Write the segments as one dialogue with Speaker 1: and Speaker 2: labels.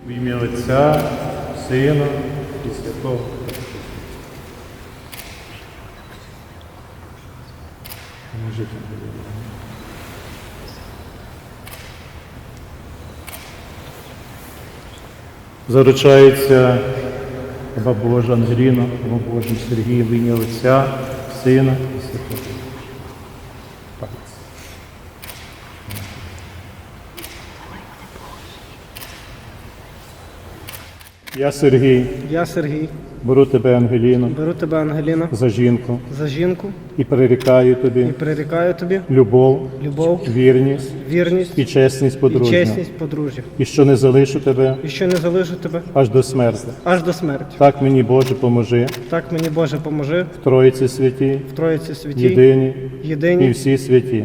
Speaker 1: В ім'я Отця, Сина і Святого Духа. Поможіть нам. Заручається Раба Божа Ангеліна, Раба Божа Сергій, в ім'я Отця, Сина і Святого Духа. Я Сергій, беру тебе, Ангеліно, за жінку і прирікаю тобі любов, вірність і чесність подружжя. І що не залишу тебе аж до смерти. Так мені, Боже, поможи. В Троїці святій, єдині і всі святі.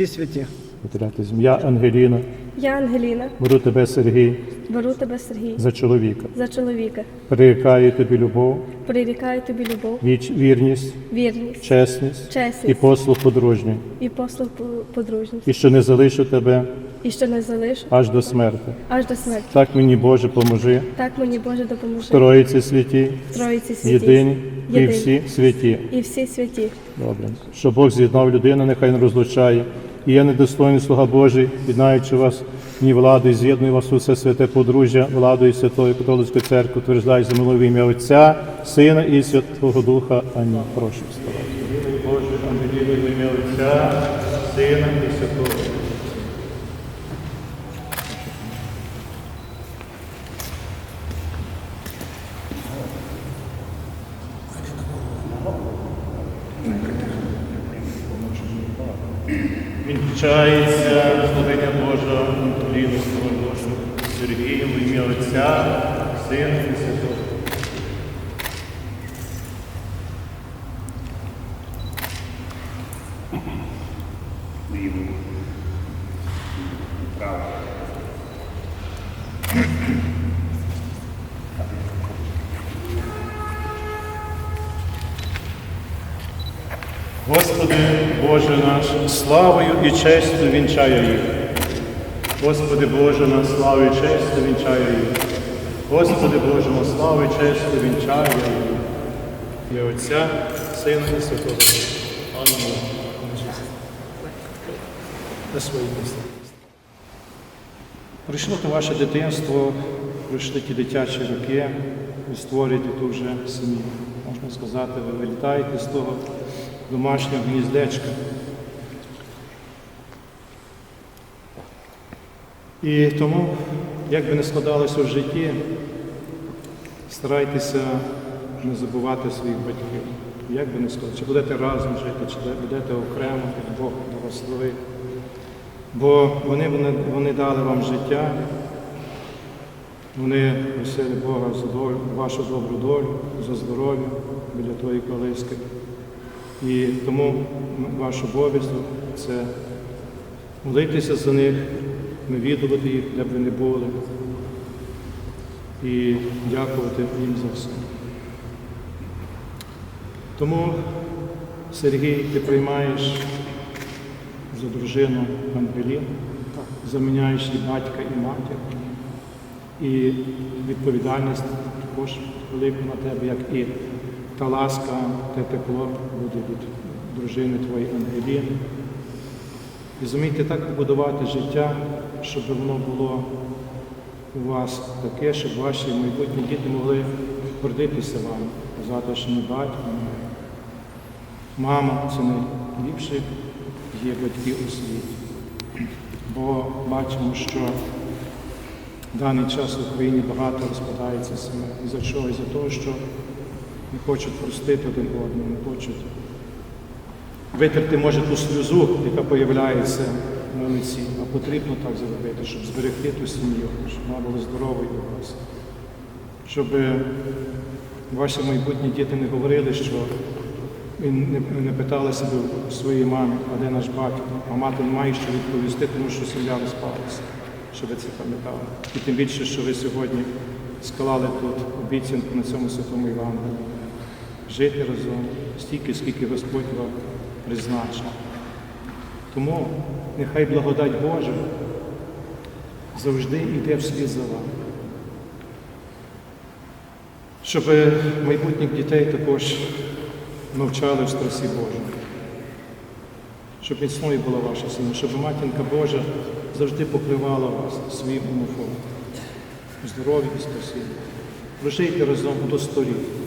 Speaker 1: Я Ангеліна, беру тебе, Сергій, за чоловіка. Прирікаю тобі любов, вірність, чесність і послуг подружній. І що не залишу тебе аж до смерти. Так мені, Боже, поможи. В Троїці святій, єдині і всі святі. Добре. Що Бог з'єднав людину, нехай не розлучає. І я недостойний слуга Божий, віднаючи вас ні владою, з'єдную вас у все святе подружжя, владою Святої Католицької Церкви, утверждаю за милою в ім'я Отця, Сина і Святого Духа. Амінь. Прошу вставати. Боже, Ангеліно, в ім'я Отця, Сина і Святого Духа. Вінчається славення Божа Ангеліна, Божу Сергієм, в ім'я Отця, Сина і Святого Духа. Господи, Боже наш, славою і честю вінчаю їх. Господи, Боже наш, славою і честю вінчаю їх. Господи, Боже наш, славою і честю вінчаю їх. І Отця, Сина і Святого Духа. Амінь. На своє місце. Прийшло то ваше дитинство, пройшли ті дитячі роки, ви створюєте ту вже сім'ю. Можна сказати, ви вилітаєте з того домашнього гніздечка. І тому, як би не складалося в житті, старайтеся не забувати своїх батьків. Як би не складалося, чи будете разом жити, чи будете окремо, як Бог благословить. Бо вони дали вам життя, вони просили Бога за долю, вашу добру долю, за здоров'я біля тої колиски. І тому ваш обов'язок – це молитися за них, навідувати їх, де б ви не були, і дякувати їм за все. Тому, Сергій, ти приймаєш за дружину Ангеліну, заміняєш і батька, і матір, і відповідальність також велику на тебе, як і та ласка, те тепло буде від дружини твоєї Ангеліни. І зумійте так побудувати життя, щоб воно було у вас таке, щоб ваші майбутні діти могли гордитися вами, казати, що ми батько, мама – це найліпші є батьки у світі. Бо бачимо, що в даний час в Україні багато розпадається сімей. І за чого? І за того, що не хочуть простити один одного, не хочуть витерти, може, ту сльозу, яка появляється на лиці, а потрібно так зробити, щоб зберегти ту сім'ю, щоб вона була здоровою у вас. Щоб ваші майбутні діти не говорили, що не питали себе своїй мамі, а де наш батько, а мати не має що відповісти, тому що сім'я розпалася, щоб ви це пам'ятали. І тим більше, що ви сьогодні склали тут обіцянку на цьому Святому Євангелії. Жити разом стільки, скільки Господь вам призначив. Тому нехай благодать Божа завжди йде вслід за вами. щоб майбутніх дітей також навчали в страсі Божій. Щоб міцною була ваша сім'я, щоб Матінка Божа завжди покривала вас своїм омофоном. Здоров'я і спасіння. Прожийте разом до 100 років.